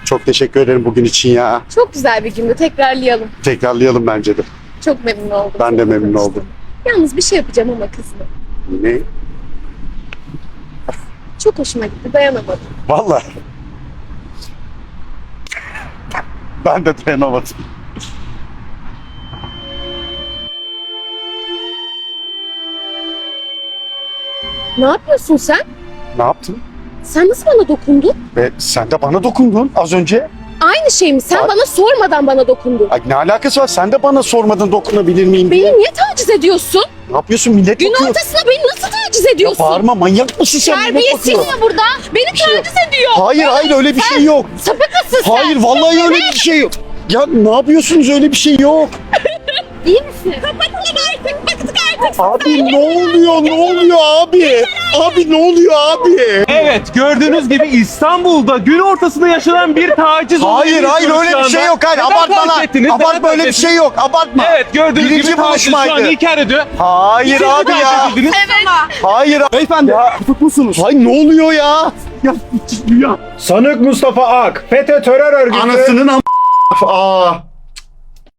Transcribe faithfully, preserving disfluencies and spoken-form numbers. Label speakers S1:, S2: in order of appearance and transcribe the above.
S1: Çok teşekkür ederim bugün için ya.
S2: Çok güzel bir gündü. Tekrarlayalım.
S1: Tekrarlayalım bence de.
S2: Çok memnun oldum.
S1: Ben de
S2: seninle
S1: memnun
S2: tanıştığıma.
S1: oldum.
S2: Yalnız bir şey yapacağım ama kızma.
S1: Ne?
S2: Çok hoşuma gitti. Dayanamadım.
S1: Vallahi. Ben de dayanamadım.
S2: Ne yapıyorsun sen?
S1: Ne yaptın?
S2: Sen nasıl bana dokundun?
S1: Ve sen de bana dokundun az önce.
S2: Aynı şey mi? Sen
S1: Ay-
S2: bana sormadan bana dokundun.
S1: Ay, ne alakası var? Sen de bana sormadın dokunabilir miyim diye.
S2: Beni niye taciz ediyorsun?
S1: Ne yapıyorsun? Millet
S2: Gün
S1: bakıyor.
S2: ortasında beni nasıl taciz
S1: Ya
S2: ediyorsun?
S1: bağırma, manyak mısın sen? Millet
S2: Terbiyesiz
S1: bakıyor.
S2: ya burada. Beni
S1: şey yok.
S2: taciz ediyor.
S1: Hayır hayır öyle bir şey yok.
S2: Sapık mısın sen?
S1: Hayır vallahi öyle bir şey yok. Ya ne yapıyorsunuz, öyle bir şey yok.
S2: İyi misin? Kapatalım artık. Bıktık artık.
S1: Abi ne oluyor, ne oluyor abi? Abi ne oluyor abi?
S3: Evet, gördüğünüz gibi İstanbul'da gün ortasında yaşanan bir taciz olayı
S1: Hayır hayır
S3: yaşıyoruz
S1: öyle
S3: şu
S1: bir
S3: anda.
S1: şey yok. Hayır
S3: Neden
S1: abartma
S3: fark
S1: lan.
S3: ettiniz? Neden
S1: Abartma,
S3: fark
S1: öyle bir
S3: ettiniz?
S1: şey yok. Abartma.
S3: Evet, gördüğünüz
S1: Birinci
S3: gibi taciz şu
S1: buluşmaydı.
S3: an inkar ediyor.
S1: Hayır
S3: Siz
S1: abi
S3: de
S1: ya.
S3: taciz edildiniz.
S1: Hayır.
S3: Beyefendi,
S1: Tutuk musunuz? Hayır ne oluyor ya? Ya, ya.
S4: Sanık Mustafa Ak, FETÖ terör örgütü.
S1: Anasının am... Aa.